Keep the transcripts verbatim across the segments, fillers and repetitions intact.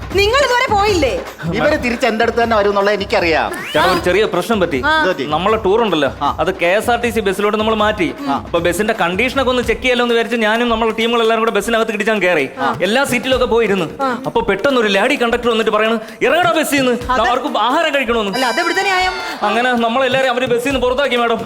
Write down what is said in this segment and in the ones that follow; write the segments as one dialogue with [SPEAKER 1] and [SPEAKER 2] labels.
[SPEAKER 1] നിങ്ങൾ ഇതുവരെ പോയില്ലേ?
[SPEAKER 2] ഇവര് തിരിച്ച് എന്റെ അടുത്ത് തന്നെ വരും എന്നുള്ളത് എനിക്കറിയാം.
[SPEAKER 3] ചേട്ടാ ഒരു ചെറിയ പ്രശ്നം പറ്റി. നമ്മളെ ടൂർ ഉണ്ടല്ലോ, അത് K S R T C ബസ്സിലോട്ട് നമ്മൾ മാറ്റി. അപ്പൊ ബസ്സിന്റെ കണ്ടീഷനൊക്കെ ഒന്ന് ചെക്ക് ചെയ്യാലോ എന്ന് വിചാരിച്ച് ഞാനും നമ്മളെ ടീമുകളെല്ലാരും കൂടെ ബസ്സിനകത്ത് കിടിച്ചാൻ കയറി. എല്ലാ സീറ്റിലൊക്കെ പോയിരുന്നു. അപ്പൊ പെട്ടെന്ന് ഒരു ലാഡി കണ്ടക്ടർ വന്നിട്ട് പറയണ ഇറങ്ങടാ ബസ്സിൽ നിന്ന്, അവർക്ക് ആഹാരം കഴിക്കണമെന്ന്. അങ്ങനെ നമ്മളെല്ലാരും അവര് ബസ്സിൽ നിന്ന് പുറത്താക്കി മാഡം.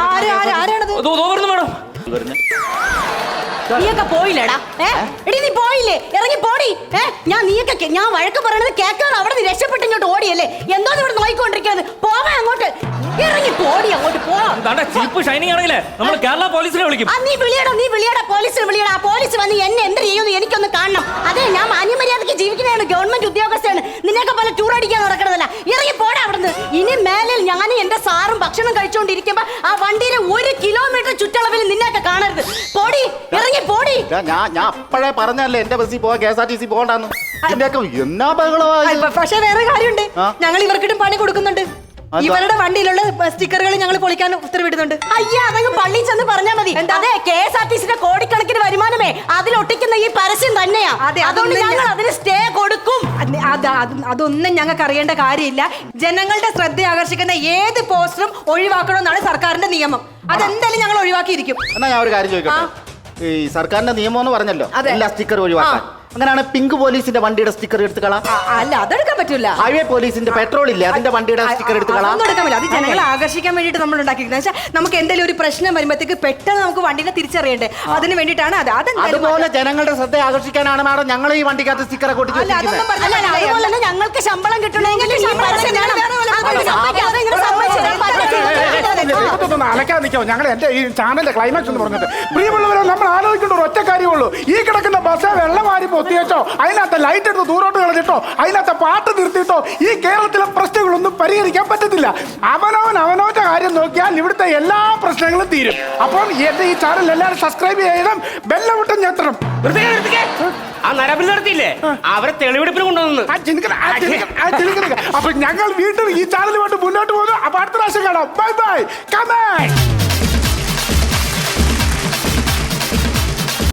[SPEAKER 3] മാഡം
[SPEAKER 4] നീയൊക്കെ പോയില്ലേടാ? എടി നീ പോയില്ലേ? ഇറങ്ങി പോടി. ഞാൻ നീയൊക്കെ ഞാൻ വഴക്ക് പറയണത് കേൾക്കാതെ അവിടെ നീ രക്ഷപ്പെട്ട് ഇങ്ങോട്ട് ഓടിയല്ലേ? എന്തോ ഇവിടെ നോയിക്കൊണ്ടിരിക്കുന്നത്? പോവാ അങ്ങോട്ട്, ഇറങ്ങി പോടി അങ്ങോട്ട്.
[SPEAKER 3] ഷൈനിങ് ആണെങ്കിലേ നമ്മൾ കേരള പോലീസിനെ വിളിക്കും.
[SPEAKER 4] നീ വിളിയടാ, നീ വിളിയടാ, പോലീസിനെ വിളിയടാ. പോലീസ് വന്ന് എന്നെ എന്ത് ചെയ്യുമെന്ന് എനിക്കൊന്ന് കാണണം. അതെ, ഞാൻ മാന്യമര്യാദക്ക് ജീവിക്കുന്നതാണ്, ഗവൺമെന്റ് ഉദ്യോഗസ്ഥയാണ്. നിന്നൊക്കെ പോലെ ടൂർ അടിക്കാൻ നടക്കണതല്ല. ഇറങ്ങി പോടാ അവിടുന്ന്. ഇനി മേലിൽ ഞാനും എന്റെ സാറും ഭക്ഷണം കഴിച്ചുകൊണ്ടിരിക്കുമ്പോ ആ വണ്ടിയിലെ ഒരു കിലോമീറ്റർ ചുറ്റളവിൽ നിന്നെയൊക്കെ കാണരുത്. പോടി, ഇറങ്ങി പോടി.
[SPEAKER 2] ഞാൻ ഞാൻ അപ്പോഴേ പറഞ്ഞല്ലേ എന്റെ ബസ്സിൽ പോവാ, K S R T C പോകണ്ടെന്ന്. എന്നാ ബഹളമായി.
[SPEAKER 1] പക്ഷെ വേറെ കാര്യമുണ്ട്, ഞങ്ങൾ ഇവർക്കിട്ടും പണി കൊടുക്കുന്നുണ്ട്. ഇവരുടെ വണ്ടിയിലുള്ള സ്റ്റിക്കറുകൾ ഞങ്ങൾ പൊളിക്കാൻ ഉത്തരവിടുന്നുണ്ട്.
[SPEAKER 4] അയ്യാ, അതങ്ങ് പള്ളി ചെന്ന് പറഞ്ഞാൽ മതി. അതെ, കെ എസ് ആർ ടി സിന്റെ കോടിക്കണക്കിന് വരുമാനമേ അതിലൊട്ടിക്കുന്ന ഈ പരസ്യം തന്നെയാ. അതുകൊണ്ട് ഞങ്ങൾ അതിന് സ്റ്റേ കൊടുക്കും.
[SPEAKER 1] അതൊന്നും ഞങ്ങൾക്ക് അറിയേണ്ട കാര്യമില്ല. ജനങ്ങളുടെ ശ്രദ്ധ ആകർഷിക്കുന്ന ഏത് പോസ്റ്ററും ഒഴിവാക്കണമെന്നാണ് സർക്കാരിന്റെ നിയമം. അതെന്തായാലും ഞങ്ങൾ ഒഴിവാക്കിയിരിക്കും.
[SPEAKER 2] എന്നാ ഞാൻ ഒരു കാര്യം ചോദിക്കട്ടെ, ഈ സർക്കാരിന്റെ നിയമം എന്ന് പറഞ്ഞല്ലോ എല്ലാ സ്റ്റിക്കർ ഒഴിവാക്കാൻ. അങ്ങനെയാണ് പിങ്ക് പോലീസിന്റെ വണ്ടിയുടെ സ്റ്റിക്കർ എടുത്ത് കളാം.
[SPEAKER 1] അല്ല, അതെടുക്കാൻ പറ്റൂല.
[SPEAKER 2] ഹൈവേ പോലീസിന്റെ പെട്രോൾ ഇല്ലേ, അതിന്റെ വണ്ടിയുടെ സ്റ്റിക്കർ എടുത്ത് കളാം.
[SPEAKER 1] ഒന്നും എടുക്കാൻ പറ്റില്ല. അത് ജനങ്ങളെ ആകർഷിക്കാൻ വേണ്ടിട്ട് നമ്മൾ ഉണ്ടാക്കിയിരിക്കുന്നത്. വെച്ചാൽ നമുക്ക് എന്തെങ്കിലും ഒരു പ്രശ്നം വരുമ്പോഴത്തേക്ക് പെട്ടെന്ന് നമുക്ക് വണ്ടിനെ തിരിച്ചറിയണ്ടേ, അതിന് വേണ്ടിയിട്ടാണ് അത്.
[SPEAKER 2] അതുപോലെ ജനങ്ങളുടെ ശ്രദ്ധ ആകർഷിക്കാനാണ് മാഡം ഞങ്ങൾ ഈ വണ്ടിക്കകത്ത് സ്റ്റിക്കർ കൊട്ടി.
[SPEAKER 4] അതുപോലെ തന്നെ ഞങ്ങൾക്ക് ശമ്പളം കിട്ടണമെങ്കിൽ
[SPEAKER 5] അലക്കാൻ നിൽക്കോ. ഞങ്ങൾ എന്റെ ഈ ചാനലിന്റെ ക്ലൈമാക്സ് എന്ന് പറഞ്ഞിട്ട് പ്രിയമുള്ളവരെ, നമ്മൾ ആലോചിക്കേണ്ട ഒരു ഒറ്റ കാര്യമുള്ളൂ. ഈ കിടക്കുന്ന ബസ് വെള്ളം വാരി പൊത്തിയച്ചോ, അതിനകത്ത് ലൈറ്റ് എടുത്ത് ദൂരോട്ട് കളഞ്ഞിട്ടോ, അതിനകത്ത് പാട്ട് നിർത്തിയിട്ടോ ഈ കേരളത്തിലെ പ്രശ്നങ്ങളൊന്നും പരിഹരിക്കാൻ പറ്റത്തില്ല. അവനവൻ അവനവന്റെ കാര്യം നോക്കിയാൽ ഇവിടുത്തെ എല്ലാ പ്രശ്നങ്ങളും തീരും. അപ്പം എന്റെ ഈ ചാനൽ എല്ലാവരും സബ്സ്ക്രൈബ് ചെയ്യണം, ബെല്ലവിട്ടും ഞെത്തണം.
[SPEAKER 6] ആ നരബലി നടത്തിയില്ലേ, അവരെ തെളിവെടുപ്പിന് കൊണ്ടുവന്നു.
[SPEAKER 5] അപ്പൊ ഞങ്ങൾ വീണ്ടും ഈ ചാനലുമായിട്ട് മുന്നോട്ട് പോകുന്നു. അപ്പൊ അടുത്ത പ്രാവശ്യം കാണാം. Bye by.